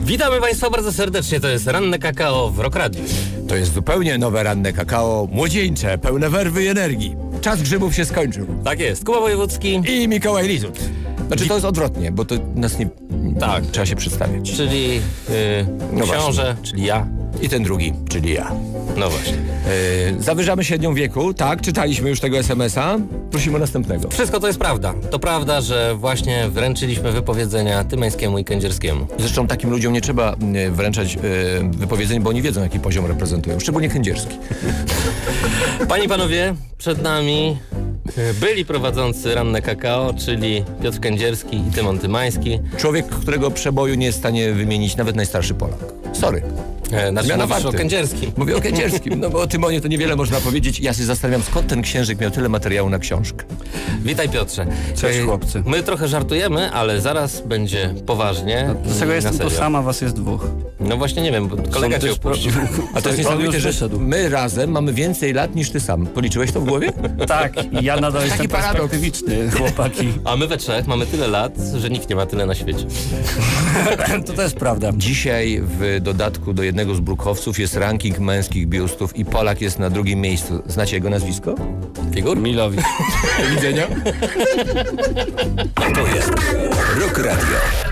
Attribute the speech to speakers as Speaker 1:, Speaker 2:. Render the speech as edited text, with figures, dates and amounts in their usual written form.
Speaker 1: Witamy Państwa bardzo serdecznie, to jest Ranne Kakao w Rock Radiu.
Speaker 2: To jest zupełnie nowe ranne kakao, młodzieńcze, pełne werwy i energii. Czas grzybów się skończył.
Speaker 1: Tak jest, Kuba Wojewódzki.
Speaker 2: I Mikołaj Lizut. Znaczy to jest odwrotnie, bo to nas nie...
Speaker 1: Tak.
Speaker 2: Trzeba się przedstawiać.
Speaker 1: Czyli
Speaker 2: No
Speaker 1: książę, czyli ja.
Speaker 2: I ten drugi, czyli ja.
Speaker 1: No właśnie.
Speaker 2: Zawyżamy średnią wieku, tak? Czytaliśmy już tego SMS-a. Prosimy o następnego.
Speaker 1: Wszystko to jest prawda. To prawda, że właśnie wręczyliśmy wypowiedzenia Tymańskiemu i Kędzierskiemu.
Speaker 2: Zresztą takim ludziom nie trzeba wręczać wypowiedzeń, bo oni wiedzą, jaki poziom reprezentują. Szczególnie Kędzierski.
Speaker 1: Panie i panowie, przed nami byli prowadzący Ranne Kakao, czyli Piotr Kędzierski i Tymon Tymański.
Speaker 2: Człowiek, którego przeboju nie jest w stanie wymienić nawet najstarszy Polak. Sorry.
Speaker 1: Znaczy mówisz o Kędzierskim.
Speaker 2: Mówię o Kędzierskim, no bo o Tymonie to niewiele można powiedzieć. Ja się zastanawiam, skąd ten księżyk miał tyle materiału na książkę.
Speaker 1: Witaj Piotrze.
Speaker 3: Cześć chłopcy.
Speaker 1: My trochę żartujemy, ale zaraz będzie poważnie.
Speaker 3: Dlaczego jestem
Speaker 1: na
Speaker 3: tu
Speaker 1: serio.
Speaker 3: sam, a was jest dwóch?
Speaker 1: No właśnie nie wiem, bo kolega cię opuścił.
Speaker 2: A to jest
Speaker 3: On
Speaker 2: niesamowite,
Speaker 3: już
Speaker 2: że
Speaker 3: wyszedł.
Speaker 2: my razem mamy więcej lat niż ty sam. Policzyłeś to w głowie?
Speaker 3: Tak, i ja nadal jestem
Speaker 2: paradoks.
Speaker 3: perspektywiczny, chłopaki.
Speaker 1: A my we trzech mamy tyle lat, że nikt nie ma tyle na świecie.
Speaker 3: To też prawda.
Speaker 2: Dzisiaj w dodatku do jednego z brukowców jest ranking męskich biustów i Polak jest na drugim miejscu. Znacie jego nazwisko?
Speaker 1: Figur?
Speaker 3: Milowicz.
Speaker 2: Do widzenia.
Speaker 4: To jest Rock Radio.